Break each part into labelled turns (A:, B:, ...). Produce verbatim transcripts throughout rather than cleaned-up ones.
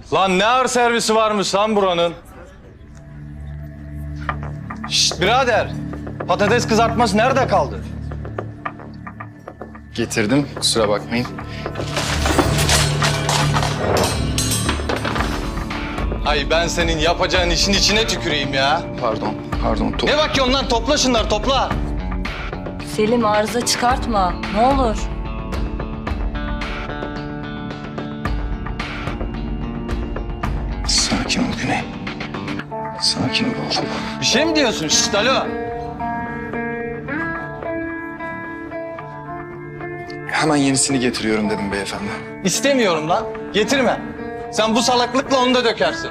A: Lan ne ağır servisi varmış lan buranın? Şşt birader. Patates kızartması nerede kaldı?
B: Getirdim, kusura bakmayın.
A: Ay ben senin yapacağın işin içine tüküreyim ya.
B: Pardon, pardon. To-
A: Ne bakıyorsun lan? Topla şunları, topla.
C: Selim arıza çıkartma. Ne olur.
B: Sakin ol Güney. Sakin ol oğlum.
A: Bir şey mi diyorsun? Şşt alo.
B: Hemen yenisini getiriyorum dedim beyefendi.
A: İstemiyorum lan. Getirme. Sen bu salaklıkla onu da dökersin.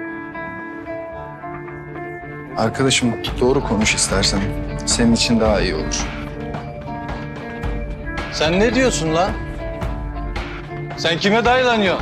B: Arkadaşım doğru konuş istersen. Senin için daha iyi olur.
A: Sen ne diyorsun lan? Sen kime dayılanıyorsun?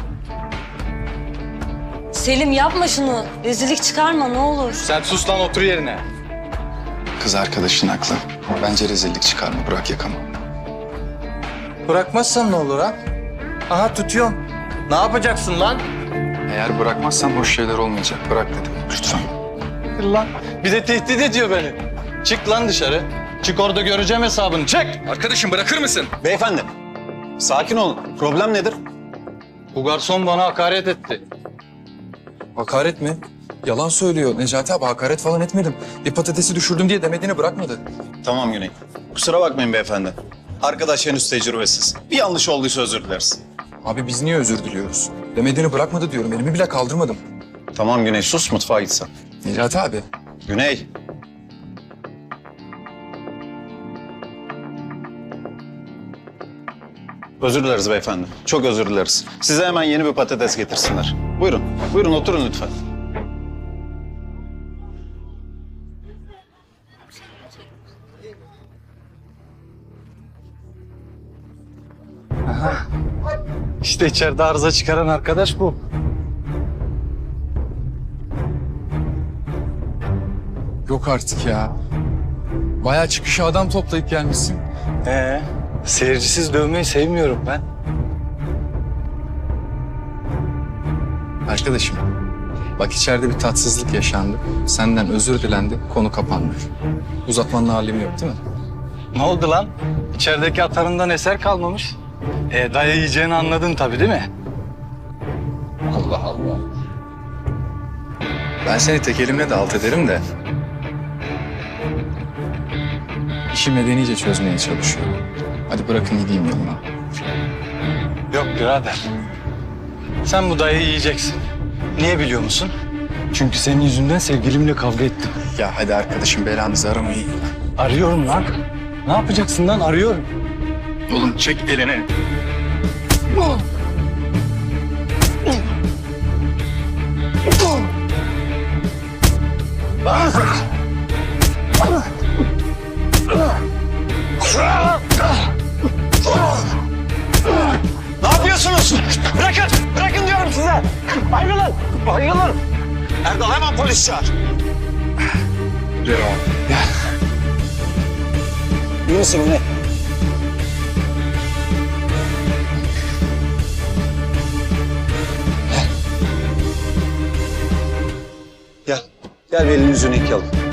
C: Selim yapma şunu. Rezillik çıkarma ne olur.
A: Sen sus lan, otur yerine.
B: Kız arkadaşın haklı. Bence rezillik çıkarma, bırak yakamı.
A: Bırakmazsan ne olur ha? Aha tutuyorum. Ne yapacaksın lan?
B: Eğer bırakmazsan hoş şeyler olmayacak. Bırak dedim, lütfen.
A: Lan bir de tehdit ediyor beni. Çık lan dışarı. Çık, orada göreceğim hesabını. Çık.
D: Arkadaşım bırakır mısın? Beyefendi, sakin olun. Problem nedir?
A: Bu garson bana hakaret etti.
E: Hakaret mi? Yalan söylüyor Necati abi, hakaret falan etmedim. Bir patatesi düşürdüm diye demediğini bırakmadı.
D: Tamam Güney. Kusura bakmayın beyefendi. Arkadaş henüz tecrübesiz. Bir yanlış olduysa özür dileriz.
E: Abi biz niye özür diliyoruz? Demediğini bırakmadı diyorum, elimi bile kaldırmadım.
D: Tamam Güney, sus mutfağa gitsen.
E: Necati abi.
D: Güney. Özür dileriz beyefendi. Çok özür dileriz. Size hemen yeni bir patates getirsinler. Buyurun, buyurun oturun lütfen.
A: İşte içeride arıza çıkaran arkadaş bu.
E: Yok artık ya. Bayağı çıkışa adam toplayıp gelmişsin.
A: Ee, seyircisiz dövmeyi sevmiyorum ben.
B: Arkadaşım, bak içeride bir tatsızlık yaşandı. Senden özür dilendi, konu kapandı. Uzatmanın alemi yok değil mi?
A: Ne oldu lan? İçerideki atarından eser kalmamış. E, daya yiyeceğini anladın tabii değil mi?
B: Allah Allah. Ben seni tek elimle de alt ederim de. İşi medenice çözmeye çalışıyorum. Hadi bırakın gideyim yoluma.
A: Yok birader. Sen bu dayayı yiyeceksin. Niye biliyor musun? Çünkü senin yüzünden sevgilimle kavga ettim.
B: Ya hadi arkadaşım, belanızı aramayın.
A: Arıyorum lan. Ne yapacaksın lan? Arıyorum.
B: Oğlum çek elini.
A: Ne yapıyorsunuz? Bırakın! Bırakın diyorum size! Ayrılın! Ayrılın! Erdal hemen polis çağır.
B: Devam.
D: İyi misin Güney? Gel. Gel bir elini yüzünü yıkayalım.